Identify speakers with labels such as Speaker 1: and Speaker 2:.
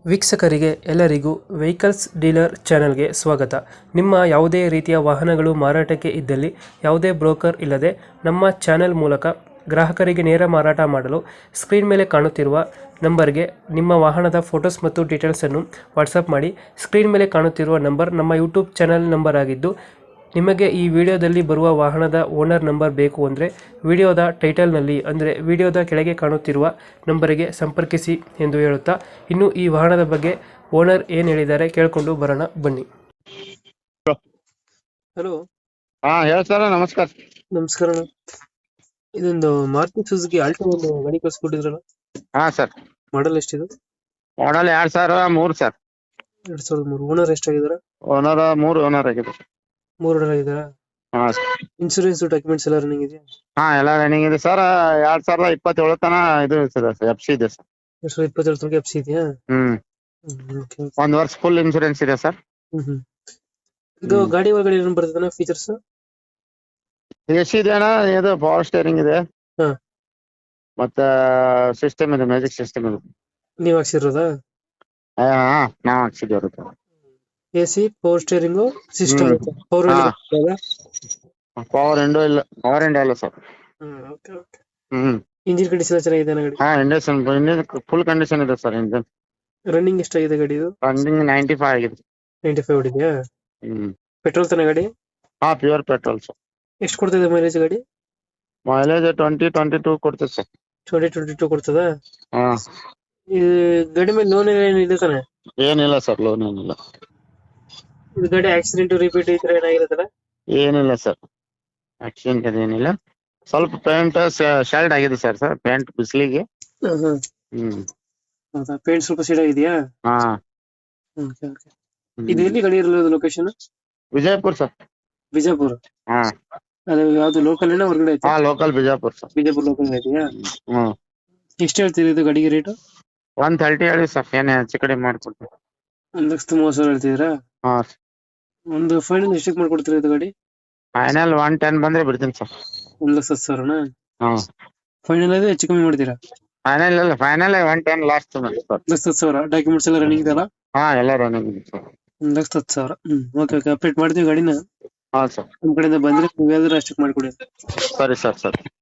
Speaker 1: ವೀಕ್ಷಕರಿಗೆ ಎಲ್ಲರಿಗೂ vehicles dealer ಚಾನೆಲ್ಗೆ ಸ್ವಾಗತ. ನಿಮ್ಮ ಯಾವುದೇ ರೀತಿಯ ವಾಹನಗಳು ಮಾರಾಟಕ್ಕೆ ಇದ್ದಲ್ಲಿ ಯಾವುದೇ ಬ್ರೋಕರ್ ಇಲ್ಲದೆ ನಮ್ಮ ಚಾನೆಲ್ ಮೂಲಕ ಗ್ರಾಹಕರಿಗೆ ನೇರ ಮಾರಾಟ ಮಾಡಲು ಸ್ಕ್ರೀನ್ ಮೇಲೆ ಕಾಣುತ್ತಿರುವ ನಂಬರ್ಗೆ ನಿಮ್ಮ ವಾಹನದ ಫೋಟೋಸ್ ಮತ್ತು ಡೀಟೇಲ್ಸನ್ನು ವಾಟ್ಸಪ್ ಮಾಡಿ. ಸ್ಕ್ರೀನ್ ಮೇಲೆ ಕಾಣುತ್ತಿರುವ ನಂಬರ್ ನಮ್ಮ ಯೂಟ್ಯೂಬ್ ಚಾನೆಲ್ ನಂಬರ್ ಆಗಿದ್ದು, ನಿಮಗೆ ಈ ವಿಡಿಯೋದಲ್ಲಿ ಬರುವ ವಾಹನದ ಓನರ್ ನಂಬರ್ ಬೇಕು ಅಂದರೆ ವಿಡಿಯೋದ ಟೈಟಲ್ನಲ್ಲಿ ಅಂದರೆ ವಿಡಿಯೋದ ಕೆಳಗೆ ಕಾಣುತ್ತಿರುವ ನಂಬರಿಗೆ ಸಂಪರ್ಕಿಸಿ ಎಂದು ಹೇಳುತ್ತಾ, ಇನ್ನು ಈ ವಾಹನದ ಬಗ್ಗೆ ಓನರ್ ಏನು ಹೇಳಿದ್ದಾರೆ ಕೇಳಿಕೊಂಡು ಬರೋಣ ಬನ್ನಿ. ಹಲೋ,
Speaker 2: ಹಾ ಹೇಳ ಸರ್. ನಮಸ್ಕಾರ.
Speaker 1: ನಮಸ್ಕಾರ. ಇದೊಂದು ಮಾರುತಿ ಸುಜುಕಿ ಆಲ್ಟೋ ಒಂದು ಗಾಡಿ ಕಳಿಸ್ಕೊಟ್ಟಿದ್ರಲ್ಲ,
Speaker 2: ಹಾ ಸರ್.
Speaker 1: ಮಾಡಲ್ ಎಷ್ಟಿದೆ?
Speaker 2: Model 2003 sir.
Speaker 1: 2003. ಓನರ್ ಎಷ್ಟಾಗಿದ್ದಾರೆ?
Speaker 2: ಓನರ್ 3 ಓನರ್ ಆಗಿದೆ.
Speaker 1: 3 ಓನರ್ ಆಗಿದ್ದಾರಾ?
Speaker 2: ಹಾ
Speaker 1: ಇನ್ಶೂರೆನ್ಸ್ ಡಾಕ್ಯುಮೆಂಟ್ಸ್ ಎಲ್ಲ ರನ್ನಿಂಗ್ ಇದೆಯಾ?
Speaker 2: ಹಾ ಎಲ್ಲ ರನ್ನಿಂಗ್ ಇದೆ ಸರ್. 2027 ತನ ಇದು ಸರ್ FC ಇದೆ ಸರ್.
Speaker 1: 2027 ತನಕ ಎಫ್ಸಿ ಇದೆಯಾ? ಓಕೆ.
Speaker 2: 1 ವರ್ಷ ಫುಲ್ ಇನ್ಶೂರೆನ್ಸ್ ಇದೆ ಸರ್.
Speaker 1: ಇದು ಗಾಡಿ ಒಳಗಡೆ ಏನು ಬರ್ತದೆ ಫೀಚರ್ಸ್?
Speaker 2: AC ಇದೆ ಅಣ್ಣ. ಇದು ಪವರ್ ಸ್ಟೇರಿಂಗ್ ಇದೆ.
Speaker 1: ಹಾ.
Speaker 2: ಮತ್ತೆ ಸಿಸ್ಟಮ್ ಇದೆ, ಮ್ಯಾಜಿಕ್ ಸಿಸ್ಟಮ್ ಇದೆ.
Speaker 1: ನೀವ್ ಹಾಕ್ಸಿರೋದಾ?
Speaker 2: ಹಾ ನಾವ್ ಹಾಕ್ಸಿದ್ದೇವೆ.
Speaker 1: AC, power steering system, power
Speaker 2: power window ಇಲ್ಲ ಸರ್.
Speaker 1: ಇಂಜಿನ್ ಕಂಡೀಷನ್ ಚೆನ್ನಾಗಿದೆ ಗಾಡಿ?
Speaker 2: ಹಾ, ಇಂಡಕ್ಷನ್ ಫುಲ್ ಕಂಡೀಷನ್ ಇದೆ ಸರ್. ಇಂಜಿನ್
Speaker 1: ರನ್ನಿಂಗ್ ಎಷ್ಟಾಗಿದೆ ಗಾಡಿ ಇದು?
Speaker 2: ರನ್ನಿಂಗ್ 95 ಆಗಿದೆ.
Speaker 1: 95 ಹೊಡಿದ್ಯಾ? ಪೆಟ್ರೋಲ್ ತಾನೆ ಗಾಡಿ?
Speaker 2: ಹಾ, ಪ್ಯೂರ್ ಪೆಟ್ರೋಲ್ ಸರ್.
Speaker 1: ಎಷ್ಟು ಕೊಡ್ತಿದೆ ಮೈಲೇಜ್ ಗಾಡಿ?
Speaker 2: ಮೈಲೇಜ್ 20-22 ಕೊಡ್ತದೆ ಸರ್.
Speaker 1: 20-22 ಕೊಡ್ತದ?
Speaker 2: ಹಾ.
Speaker 1: ಈ ಗಾಡಿ ಮೇಲೆ ಲೋನ್ ಏನಿದೆ ತಾನೆ?
Speaker 2: ಏನಿಲ್ಲ ಸರ್, ಲೋನ್ ಏನಿಲ್ಲ.
Speaker 1: ಇದು ಗಾಡಿ ಆಕ್ಸಿಡೆಂಟ್ ರಿಪೀಟ್ ಈ ತರ ಏನಾಗಿರುತ್ತಲ್ಲ?
Speaker 2: ಏನಿಲ್ಲ ಸರ್, ಆಕ್ಸಿಡೆಂಟ್ ಅದೇನಿಲ್ಲ. ಸ್ವಲ್ಪ ಪೇಂಟ್ ಶೆಲ್ಡ್ ಆಗಿದೆ ಸರ್. ಪೇಂಟ್ ಬಿಸಿಲಿಗೆ.
Speaker 1: ಹೌದಾ? ಪೇಂಟ್ ಸ್ವಲ್ಪ ಸೀಡ್ ಆಗಿದೆಯಾ?
Speaker 2: ಹಾ.
Speaker 1: ಇದು ಎಲ್ಲಿ ಗಾಡಿ ಇರೋದು ಲೊಕೇಶನ್?
Speaker 2: ವಿಜಯಪುರ ಸರ್.
Speaker 1: ಬಿಜಾಪುರ?
Speaker 2: ಹಾ.
Speaker 1: ಅದು ಯಾವ್ದು ಲೋಕಲ್ ಏನೋ ಹೊರಗಡೆ ಐತೆ?
Speaker 2: ಹಾ, local Bijapur sir.
Speaker 1: Bijapur local ಇದೆಯಾ? ಎಷ್ಟು ಹೇಳ್ತೀರಿ ಇದು ಗಾಡಿಗೆ ರೇಟ್?
Speaker 2: 130 ಹೇಳಿ ಸರ್. ಏನೇ ಹೆಚ್ಚು ಕಡಿಮೆ ಮಾಡ್ಕೊಡ್ತೀವಿ.
Speaker 1: 1,30,000 ಹೇಳ್ತಿದ್ದೀರಾ?
Speaker 2: ಹಾ.
Speaker 1: ಒಂದು ಫೈನಲ್ ಎಷ್ಟಕ್ಕೆ ಮಾಡ್ಕೊಡ್ತೀರಾ ಇದು ಗಾಡಿ?
Speaker 2: ಫೈನಲ್ 110 ಬಂದ್ರೆ ಬಿಡ್ತೀನಿ ಸರ್.
Speaker 1: 1,10,000?
Speaker 2: ಹಾ.
Speaker 1: ಫೈನಲ್ ಆದ್ರೆ ಹೆಚ್ಚು ಕಮ್ಮಿ ಮಾಡ್ತೀರಾ?
Speaker 2: Final 110 last sir.
Speaker 1: 1,10,000. ಡಾಕ್ಯುಮೆಂಟ್ಸ್ ಎಲ್ಲ ರನ್ನಿಂಗ್ ಇದೆಯಲ್ಲ?
Speaker 2: ಹಾ, ಎಲ್ಲ ರನ್ನಿಂಗ್ ಇದೆ ಸರ್.
Speaker 1: 1,10,000. ಓಕೆ. ಅಪ್ಡೇಟ್ ಮಾಡ್ತೀವಿ ಗಾಡಿನ.
Speaker 2: ಹಾ ಸರ್.
Speaker 1: ನಮ್ ಕಡೆಯಿಂದ ಬಂದ್ರೆ ನೀವೇನಾದ್ರೂ ಅಷ್ಟಕ್ಕೆ ಮಾಡ್ಕೊಡಿ.
Speaker 2: ಸರಿ ಸರ್.